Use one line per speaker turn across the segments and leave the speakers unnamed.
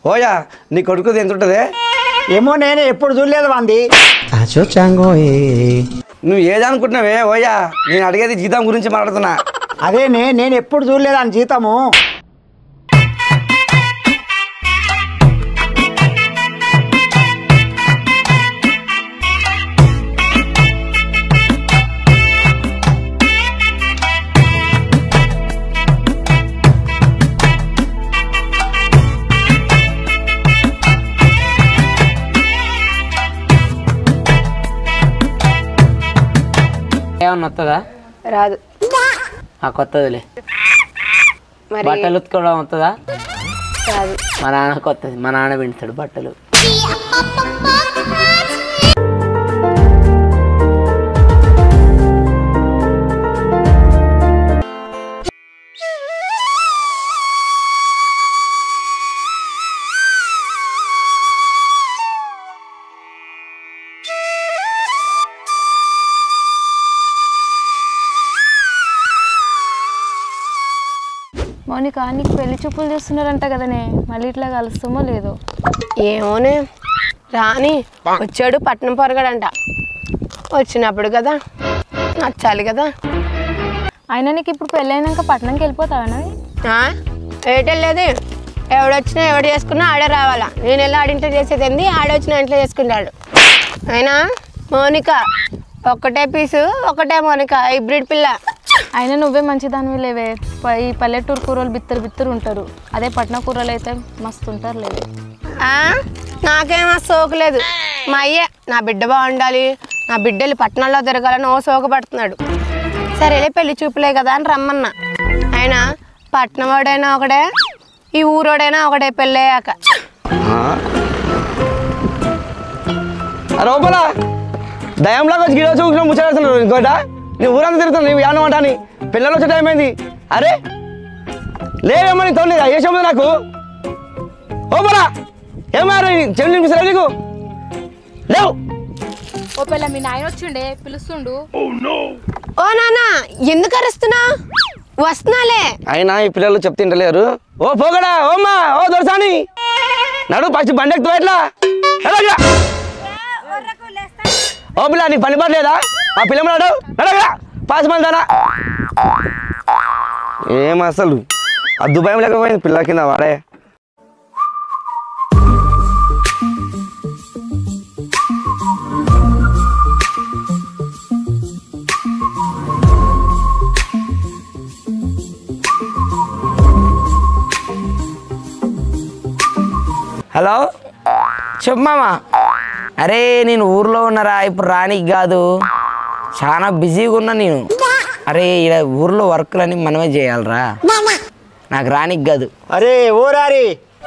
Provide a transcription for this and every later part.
ఓయా నీ కొడుకుది ఎంత ఉంటుంది?
ఏమో నేను ఎప్పుడు చూడలేదు వాంది.
నువ్వు ఏదనుకుంటున్నావే ఓయా? నేను అడిగేది జీతం గురించి మాట్లాడుతున్నా.
అదే నేను ఎప్పుడు చూడలేదు అని జీతము.
ఏమన్నా వస్తుందా?
రాదు.
కొత్తదిలే. బట్టలు ఉతుకోవడం వస్తుందా?
రాదు.
మా నాన్నకు వస్తుంది. మా నాన్న పిండుతాడు బట్టలు.
మౌనిక నీకు పెళ్లి చూపులు చేస్తున్నారంట కదనే, మళ్ళీ ఇట్లా కలుస్తామో లేదో?
ఏమోనే రాని. వచ్చాడు పట్నం పొరగాడంట. వచ్చినప్పుడు కదా నచ్చాలి కదా.
అయినా నీకు ఇప్పుడు పెళ్ళి అయినాక పట్నంకి వెళ్ళిపోతావా?
ఏటెళ్ళేది? ఎవడొచ్చినా ఎవడు చేసుకున్నా ఆడే రావాలా. నేను వెళ్ళి ఆడింట్లో చేసేది ఏంది, ఆడొచ్చినా ఇంట్లో చేసుకుంటాడు. అయినా మౌనిక ఒక్కటే పీసు ఒకటే మౌనిక, హైబ్రిడ్ పిల్ల.
అయినా నువ్వే మంచిదానివి లేవే. ఈ పల్లెటూరు కూరలు బిత్తరు ఉంటారు, అదే పట్న కూరలు అయితే మస్తు ఉంటారు లేవే.
నాకేమో సోకులేదు. మా అయ్యే నా బిడ్డ బాగుండాలి, నా బిడ్డలు పట్టణంలో తిరగాలని ఓ సోకు పడుతున్నాడు. సరేలే పెళ్లి చూపులే కదా అని రమ్మన్నా. ఆయన పట్నం వాడైనా ఒకడే, ఈ ఊరోడైనా ఒకటే పెళ్ళయ్యాక.
లోపల దయంలాగా వచ్చి గిడో చూసిన ముచ్చడుతున్నాడు ఇంకోట. నీ ఊరంతా తిరుగుతాను నువ్వు ఏమన్నమాట అని. పిల్లలు వచ్చే టైం అయింది. అరే లేవేమని తోలేదా ఏ చెప్పదు నాకు. ఓపరా ఏమారా చెల్లి వినిపిస్తారా నీకు? లేవు.
ఓ పిల్ల మీ నాయన వచ్చిండే పిలుస్తుండు.
ఓ నాన్న ఎందుకు అరుస్తున్నా? వస్తున్నాలే.
అయినా ఈ పిల్లలు చెప్తింటలేరు. ఓ పోగడా ఓమ్మా ఓ దొరసాని నడు ఫస్ట్ బండి ఎక్కువ ఎట్లా? ఓ పిల్ల నీకు పని పడలేదా? ఆ పిల్ల నడు నడగరా పాస్ మందానా. ఏం అసలు అద్దు భయం లేకపోయింది పిల్ల కింద వాడే.
హలో చెప్పు మామ. అరే నేను ఊర్లో ఉన్నారా, ఇప్పుడు రానికి కాదు, చాలా బిజీగా ఉన్నా నేను. అరే ఇలా ఊర్లో వర్క్లని మనమే చేయాలరా, నాకు రానికి కాదు.
అరే ఓ రారి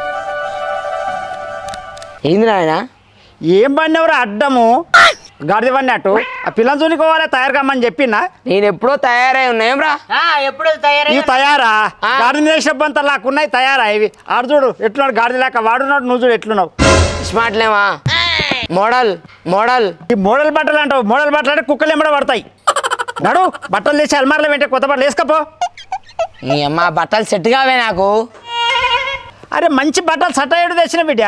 ఏంది నాయన?
ఏం పడినవరా అడ్డము గాడిద పడినట్టు? ఆ పిల్లలు చూసుకోవాలి తయారు కమ్మని చెప్పినా.
నేను ఎప్పుడో తయారై ఉన్నాయంరా.
ఎప్పుడు తయారా? గాడిద వేసినప్పంతా లాక్కున్నాయి తయారా ఇవి. ఆడు చూడు ఎట్లున్నాడు గాడిద లేక, వాడున్నాడు నువ్వు చూడు ఎట్లున్నావు.
స్మార్ట్ లేవా? Model model.
ఈ మోడల్ బట్టలు అంటావు? మోడల్ బట్టలు అంటే కుక్కలు ఎంబడ పడతాయి. నడు బట్టలు తెచ్చి అల్మార్లో వెంటే కొత్త బట్టలు వేసుకపో.
నీ అమ్మ బట్టలు సెట్ కావే నాకు.
అరే మంచి బట్టలు సట్ట ఏడు తెచ్చిన బిడ్డ.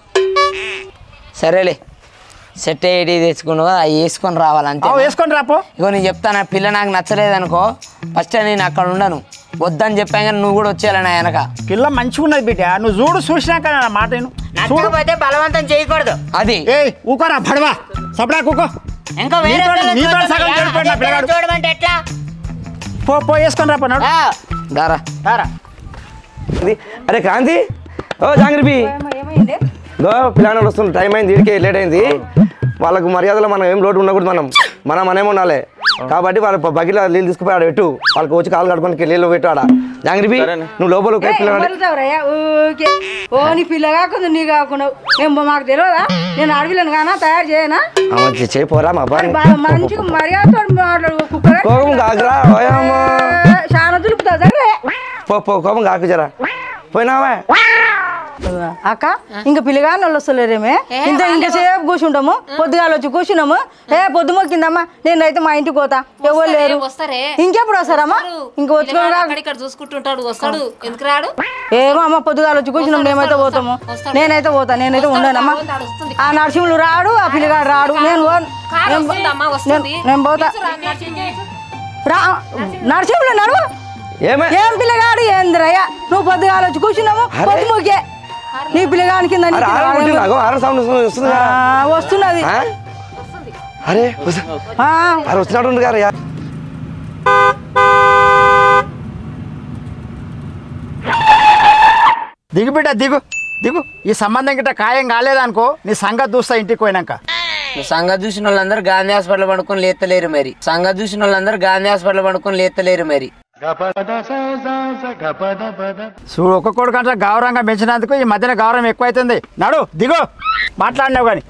సరేలే సెట్ అయ్యేటి తెచ్చుకున్నావు అవి వేసుకొని రావాలంటే.
వేసుకొని రాపో.
ఇగో నేను చెప్తాను, పిల్ల నాకు నచ్చలేదనుకో ఫస్ట్ నేను అక్కడ ఉండను, వద్దని చెప్పాను కానీ నువ్వు కూడా వచ్చేయాలి నా వెనక.
పిల్ల మంచిగా ఉన్నది బిడ్డ, నువ్వు చూడు చూసినాక నా మాట
చూడకపోతే బలవంతం చేయకూడదు. అది
ఏ ఊకోరా భడవా సపడా కూకో.
ఇంకా చూడమంటే ఎట్లా?
పో వేసుకొని రాపో.
దారా
దారా.
అరే క్రాంతి ఓ జాంగ్రీబి గో పిల్లలు వస్తుంది. టైం అయింది, వీడికి లేట్ అయింది. వాళ్ళకు మర్యాదలో మనం ఏం లోటు ఉండకూడదు. మనమే ఉండాలి కాబట్టి వాళ్ళ బకెట్లో నీళ్ళు తీసుకుపోయి ఆడ పెట్టు. వాళ్ళకి వచ్చి కాలు కడుకొని నీళ్ళు పెట్టు ఆడ. జాంగ్రీబి నువ్వు లోపల
పిల్ల కాకుండా నీ కాకుండా మాకు తెలియదా? నేను అడవిలను కానా తయారు చేయనా?
చేయిపోరా మా
మంచిగా మర్యాదతో మాట్లాడు.
కోపం కాకురా
చాలా దులుపుతా
కోపం కాకు జరా పోయినావా
అక్క ఇంకా పిల్లగాని వాళ్ళు వస్తలేరేమే ఇంతసేపు కూర్చుంటాము పొద్దుగాల వచ్చి కూర్చున్నాము పొద్దు మొక్కిందమ్మా నేనైతే మా ఇంటికి పోతా ఎవరు లేరు ఇంకెప్పుడు వస్తారమ్మా ఇంక ఏమో అమ్మ పొద్దుగాల వచ్చి కూర్చున్నాం మేమైతే పోతాము నేనైతే ఉండనమ్మా ఆ నరసింహులు రాడు ఆ పిల్లగాడు రాడు నేను పోతా నరసింహులు నడువు ఏం పిల్లగాడు ఏందిరయ్యా నువ్వు పొద్దుగాల వచ్చి కూర్చున్నాము పొద్దు మొక్కే నీ పిల్లగాని కింద వస్తున్నది
వచ్చినట్టు గారు
దిగు బిడ్డ దిగు దిగు ఈ సంబంధం గిట్ట ఖాయం కాలేదనుకో నీ సంగతి చూస్తా ఇంటికి పోయినాక
సంగతి చూసిన వాళ్ళందరూ గాంధీ హాస్పిటల్ పడుకొని లేతలేరు మరి మరి
చూడు ఒక్కొక్కడు కంటే గౌరవంగా పెంచినందుకు ఈ మధ్యన గౌరవం ఎక్కువైతుంది నడు దిగు మాట్లాడినావు కానీ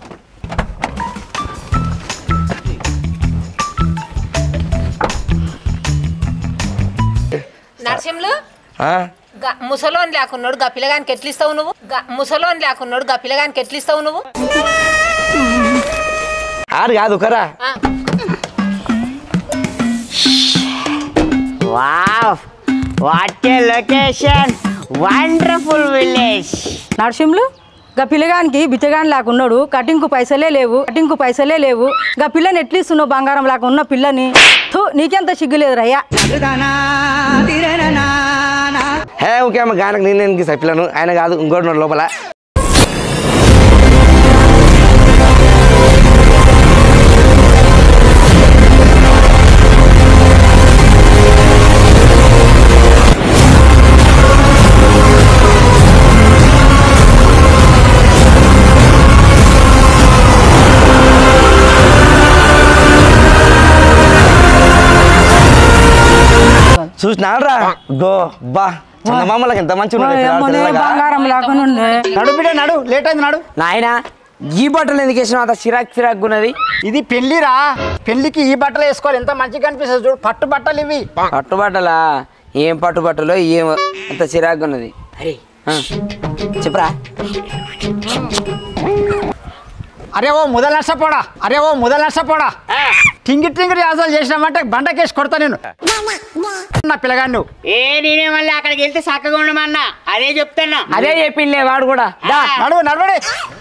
నరసింహులు ముసలోని లేకున్నాడు గా పిల్లగానికి ఎట్లిస్తావు నువ్వు
ఆరు కాదు కరా
wow what a location wonderful village
Narasimhulu గా పిల్లగానికి బిచ్చగాని లేకున్నాడు కటింగ్కు పైసలే లేవు గా పిల్లని ఎట్లిస్తున్నావు బంగారం లాగా ఉన్న పిల్లని నీకెంత సిగ్గులేదు రయ్యా
ఓకే అమ్మ గానకు నేను సప్పిలను ఆయన కాదు ఇంకోటి లోపల చూసినారా గో బా చందమామలకు ఎంత మంచి
నడు బిడ్డ నడు లేట్ అయింది నడు
నాయన ఈ బట్టలు ఎందుకు వేసినావు అంత చిరాక్ ఉన్నది
ఇది పెళ్లిరా పెళ్లికి ఈ బట్టలు వేసుకోవాలి ఎంత మంచిగా కనిపిస్తుంది చూడు పట్టు బట్టలు ఇవి
పట్టుబట్టలా ఏం పట్టుబట్టలో ఏం అంత చిరాకు ఉన్నది చెప్పరా
అరే ఓ ముదల నష్టపోడా టింగి టింగిరి ఆజాలు చేసినామంటే బండకేసి కొడతా నేను నా పిల్లగాడు నువ్వు
నేనే మళ్ళీ అక్కడికి వెళ్తే చక్కగా ఉండమన్నా అదే చెప్తాను అదే చెప్పిండే వాడు కూడా
నడవడే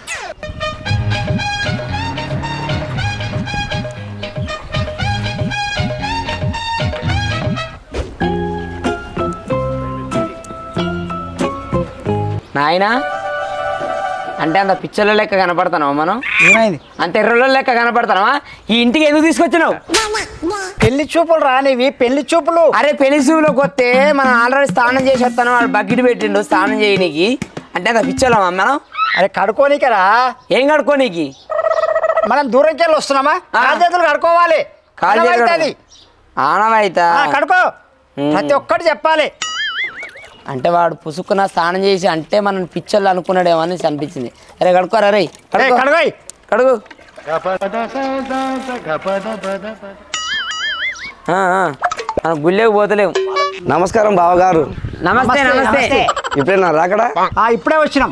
నాయనా అంటే అంత పిచ్చర్ల లెక్క కనపడతానవా మనం
ఏమైంది
అంత ఎర్రలో లెక్క కనపడతానవా ఈ ఇంటికి ఎందుకు తీసుకొచ్చినావు
పెళ్లి చూపులు రానివి పెళ్లి చూపులు
అరే పెళ్లి చూపులోకి వస్తే మనం ఆల్రెడీ స్నానం చేసి వస్తాను వాడు బకెట్ పెట్టిండు స్నానం చేయనీకి అంటే అంత పిచ్చోళ్ళమా మనం
అరే కడుకోనీకరా
ఏం కడుకోనీకి
మనం దూరంకి వెళ్ళి వస్తున్నామా కాలు చేతులు కడుకోవాలి
ఆనవాయితా
కడుకో ప్రతి ఒక్కటి చెప్పాలి
అంటే వాడు పుసుక్కున స్నానం చేసి అంటే మనం పిచ్చర్లు అనుకున్నాడేమో అని అనిపించింది అరే కడుకోరా రే కడుగు మనం గుళ్ళేకి పోతలేము
నమస్కారం బావగారు
నమస్తే
ఇప్పుడేనా రాకడా
ఇప్పుడే వచ్చినాం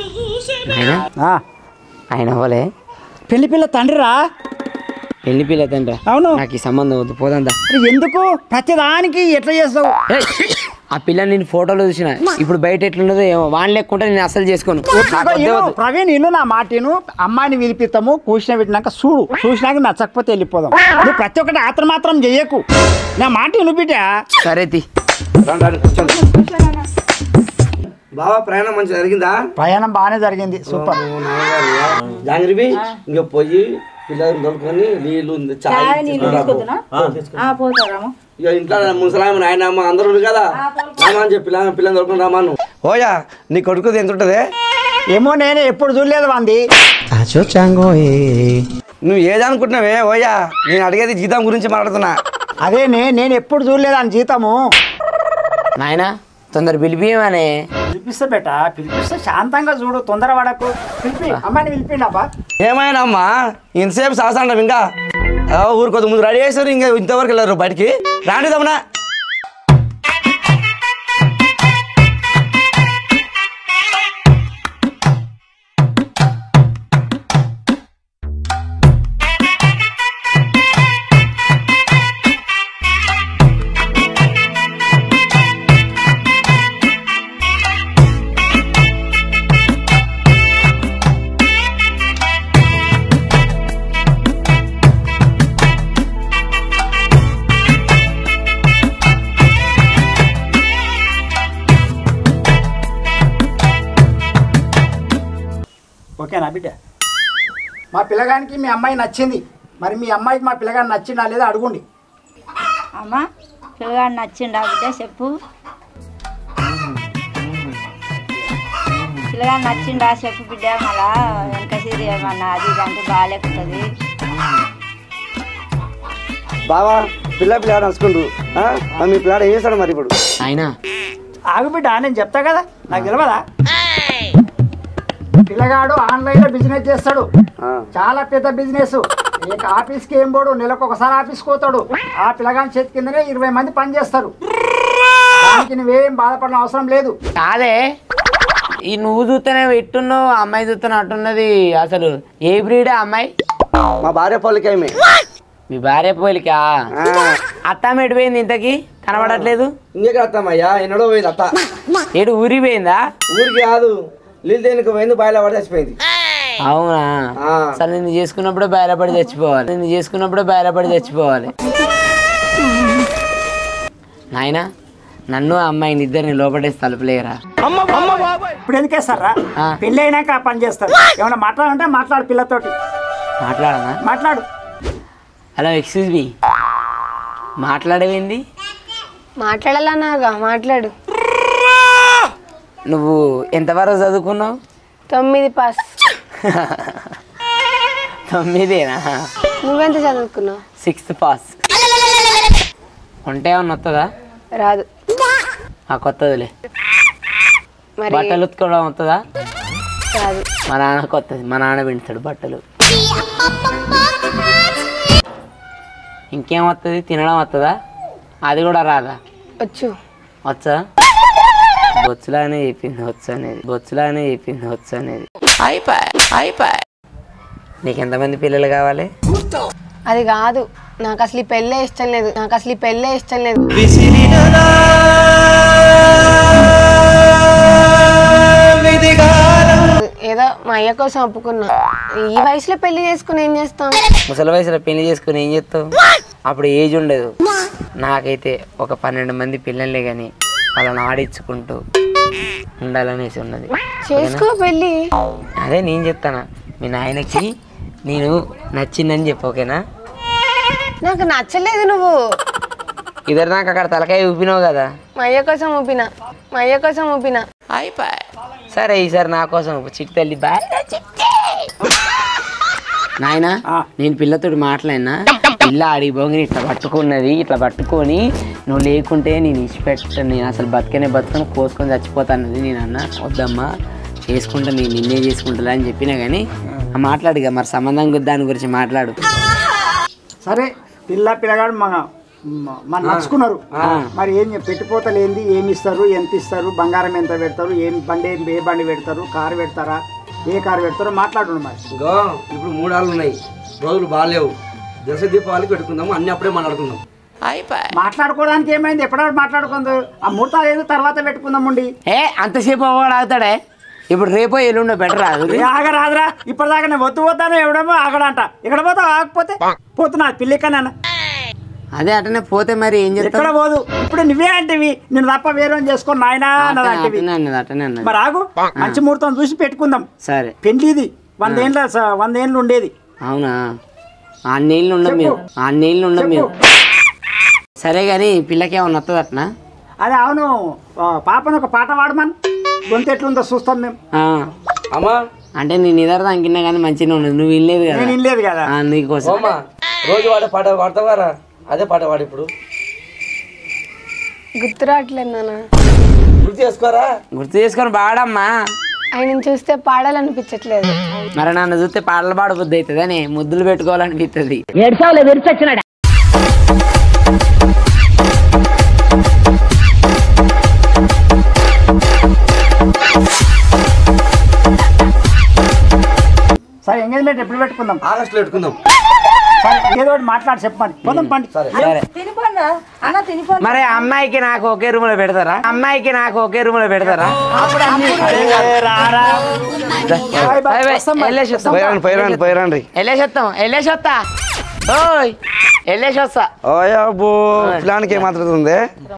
ఆయన అవ్వలే
పెళ్లి పిల్ల తండ్రిరా
పెళ్లి పిల్ల తండ్రి
అవును
నాకు ఈ సంబంధం వద్దు పోదందా
ఎందుకు ప్రతిదానికి ఎట్లా చేస్తావు
ఆ పిల్లని నేను ఫోటోలో చూసిన ఇప్పుడు బయట ఎట్లున్నదో ఏమో వాణి లేకుంటే నేను అసలు చేసుకోను
ప్రవీణ్ ఇల్లు నా మాటను అమ్మాయిని పిలిపిస్తాము కూర్చుని పెట్టినాక చూసినాక నచ్చకపోతే వెళ్ళిపోదాం నువ్వు ప్రతి ఒక్కటి ఆత్రం మాత్రం చెయ్యకు నా మాట విను బిడ్డ
సరే
బావా ప్రయాణం మంచిగా జరిగిందా
ప్రయాణం బాగానే జరిగింది సూపర్
జాంగ్రీబి ఇంకా పోయి పిల్లలు దొరుకుని నీళ్ళు ఇక ఇంట్లో ముసలాయమ నాయనమ్మ అందరూ కదా రామా అని చెప్పి పిల్లలు దొరుకుని రామాను ఓయా నీ కొడుకుది ఎంత ఉంటుంది
ఏమో నేను ఎప్పుడు చూడలేదు వంది
నువ్వు ఏదనుకుంటున్నావే ఓయా నేను అడిగేది జీతం గురించి మాట్లాడుతున్నా
అదే నేను ఎప్పుడు చూడలేదు అని జీతము
నాయనా తొందర పిలిపియమనే
పిలిపిస్తా బేట పిలిపిస్తే శాంతంగా చూడు తొందర పడకు పిలిపి అమ్మాయిని పిలిపిండబ్బా
ఏమైనా అమ్మా ఇంతసేపు సాసంటాం ఇంకా ఊరుకోదు ముందు రెడీ చేశారు ఇంకా ఇంతవరకు వెళ్ళారు బయటికి రాండి తమనా
ఓకేనా బిడ్డ? మా పిల్లగానికి మీ అమ్మాయి నచ్చింది, మరి మీ అమ్మాయికి మా పిల్లగాని నచ్చిందా లేదా అడుగుండి.
అమ్మ పిల్లగాడు నచ్చిండా బిడ్డ చెప్పు. పిల్లగాడు నచ్చిండా చెప్పు బిడ్డ. మళ్ళా వెనక సిరి ఏమన్నా అది ఇది అంటే బాగాలేకుతుంది.
బావా పిల్లగాడు నడుచుకుంటు మీ పిల్లాడు ఏం చేస్తాడు మరి ఇప్పుడు?
ఆయన
ఆగు బిడ్డ, నేను చెప్తా కదా, నాకు తెలియదా? పిల్లగాడు ఆన్లైన్లో బిజినెస్ చేస్తాడు, చాలా పెద్ద బిజినెస్. ఇక ఆఫీస్కి ఏం పోడు, నెలకు ఒకసారి ఆఫీస్కి పోతాడు. ఆ పిల్లగాని చేతి కిందనే 20 మంది పని చేస్తారు. దానికి నువ్వేం బాధపడిన అవసరం లేదు.
కాదే, ఈ నువ్వు చూస్తేనే ఎట్టున్నావు, అమ్మాయి చూస్తేనే అట్టున్నది. అసలు ఏ బ్రీడే అమ్మాయి?
మా భార్య పోలికే.
మీ భార్య పోలికా? అత్త ఎటుపోయింది ఇంతకి కనబడట్లేదు?
ఇంకెక్కడ అత్తమ్మయ్యా, ఎన్నడో పోయింది అత్త.
ఏడు ఊరికి పోయిందా?
ఊరికి కాదు, నీళ్ళు దేనికి పోయింది, బాయిలో పడి చచ్చిపోయింది.
అవునా? అసలు నిన్ను చేసుకున్నప్పుడే బయలుపడి చచ్చిపోవాలి, నిన్ను చేసుకున్నప్పుడే బయలుపడి చచ్చిపోవాలి. నాయన నన్ను అమ్మాయిని ఇద్దరిని లోపడేసి తలుపులేరా.
ఇప్పుడు ఎందుకేస్తారా? పెళ్ళి అయినాక ఆ పని చేస్తారు. ఏమన్నా మాట్లాడంటే మాట్లాడు, పిల్లతోటి
మాట్లాడనా?
మాట్లాడు.
Hello, excuse me, మాట్లాడేవింది?
మాట్లాడాలన్నాగా, మాట్లాడు.
నువ్వు ఎంతవరకు చదువుకున్నావు?
9 పాస్.
9ఏనా?
నువ్వెంత చదువుకున్నావు?
6th pass. ఉంటే ఏమన్నా వస్తుందా?
రాదు.
కొత్తదిలే.
మరి
బట్టలు ఉతుకోవడం వస్తుందా?
రాదు.
మా నాన్నకు వస్తుంది, మా నాన్న పిండుతాడు బట్టలు. ఇంకేం వస్తుంది? తినడం వస్తుందా? అది కూడా రాదా?
వచ్చు.
వచ్చా? బొచ్చులానే చెప్పింది వచ్చు అనేది, బొచ్చులానే చెప్పింది వచ్చు అనేది. అయిపోయి నీకు ఎంతమంది పిల్లలు కావాలి?
అది కాదు, నాకు అసలు ఈ పెళ్ళే ఇష్టం లేదు, నాకు అసలు ఈ పెళ్ళే ఇష్టం లేదు. ఏదో మా అయ్య కోసం ఒప్పుకున్నా. ఈ వయసులో పెళ్లి చేసుకుని ఏం చేస్తాం?
ముసలి వయసులో పెళ్లి చేసుకుని ఏం చేస్తావు? అప్పుడు ఏజ్ ఉండదు. నాకైతే ఒక 12 మంది పిల్లలే కానీ వాళ్ళని ఆడించుకుంటూ ఉండాలనేసి ఉన్నది.
చేసుకో పెళ్ళి.
అదే నేను చెప్తానా, మీ నాయనకి నేను నచ్చిందని చెప్పు, ఓకేనా?
నాకు నచ్చలేదు నువ్వు.
ఇద్దరు నాకు అక్కడ తలకాయ ఊపినావు కదా.
మా అయ్య కోసం ఊపినా, మా అయ్య కోసం ఊపినా.
అయిపోయి సరే, ఈసారి నా కోసం చిట్టి తల్లి బాయ్. నాయన నేను పిల్లతోటి మాట్లాడినా, పిల్ల అడిగి బొంగిని ఇట్లా పట్టుకున్నది, ఇట్లా పట్టుకొని నువ్వు లేకుంటే నేను ఇచ్చిపెట్టాను, నేను అసలు బతుకనే బతుకొని కోసుకొని చచ్చిపోతానది. నేను అన్న వద్దమ్మా, చేసుకుంటా, నేను నిన్నే చేసుకుంటా అని చెప్పినా కానీ మాట్లాడుగా మరి సంబంధం దాని గురించి మాట్లాడు.
సరే, పిల్లగాడు మన నచ్చుకున్నారు. మరి ఏం పెట్టిపోతలు ఏంది, ఏమి ఇస్తారు, ఎంత ఇస్తారు, బంగారం ఎంత పెడతారు, ఏ బండి పెడతారు, కారు పెడతారా, ఏ కారు పెడతారో మాట్లాడు. మరి
ఇప్పుడు 3 ఆళ్ళు ఉన్నాయి, రోజులు బాగాలేవు. దశ దీపావళికి పెట్టుకుందాము, అన్ని అప్పుడే మాట్లాడుకుందాం.
మాట్లాడుకోవడానికి ఏమైంది? ఎప్పుడప్పుడు మాట్లాడుకుందాం. ఆ ముహూర్తాలు ఏదో తర్వాత పెట్టుకుందామండి.
అంతసేపు అవ్వడు ఆగుతాడే. ఇప్పుడు రేపో ఎల్లుండో బెటర్ రాదు.
ఆగరాదురా, ఇప్పటిదాకా నేను వద్దు పోతాను, ఎవడేమో ఆగడంట. ఎక్కడ పోతావు? ఆగకపోతే పోతున్నా పిల్లికన్నా.
అదే అటనే పోతే మరి ఏం చేస్తా?
ఎక్కడ పోదు. ఇప్పుడు నువ్వే అంటివి, నేను తప్ప వేరే చేసుకొని నాయనా అన్నది. మరి ఆగు, మంచి ముహూర్తం చూసి పెట్టుకుందాం.
సరే,
పెళ్లి ఇది 100 ఏళ్ళు ఉండేది.
అవునా? 6 ఏళ్ళు ఉండం మేము, 6 ఏళ్ళు ఉండం మేము. సరే కానీ పిల్లకి ఏమన్నా వస్తుంది అట్నా?
అదే అవును, పాపను ఒక పాట పాడమని, గొంతు ఎట్లుందో చూస్తాం మేము.
అమ్మా
అంటే నేను ఇద్దరు దానికిన్నా కానీ మంచిగా ఉండదు. నువ్వు వినలేదు కదా?
నేను వినలేదు కదా.
నీకోసం
రోజు వాడే పాట పాడతావారా? అదే పాట పాడు ఇప్పుడు.
గుర్తు రావట్లేదు నాన్న.
గుర్తు చేసుకోరా?
గుర్తు చేసుకొని పాడమ్మా.
ఆయన చూస్తే పాడాలనిపించట్లేదు.
మరి నన్ను చూస్తే పాటలు పాడబుద్ది అవుతుంది అని ముద్దులు పెట్టుకోవాలనిపిస్తుంది.
సరే, ఎంగేజ్మెంట్ ఎప్పుడు పెట్టుకుందాం?
ఆగస్టులో పెట్టుకుందాం.
ఏదో ఒకటి మాట్లాడి చెప్పండి, పోదాం పండి.
మరి అమ్మాయికి నాకు ఒకే రూమ్ లో పెడతారా? అమ్మాయికి నాకు ఒకే రూమ్ లో పెడతారా? వెళ్ళేసొస్తా.
ఓయ్ అబ్బో, ప్లాన్కి ఏమాత్రం ఉంది.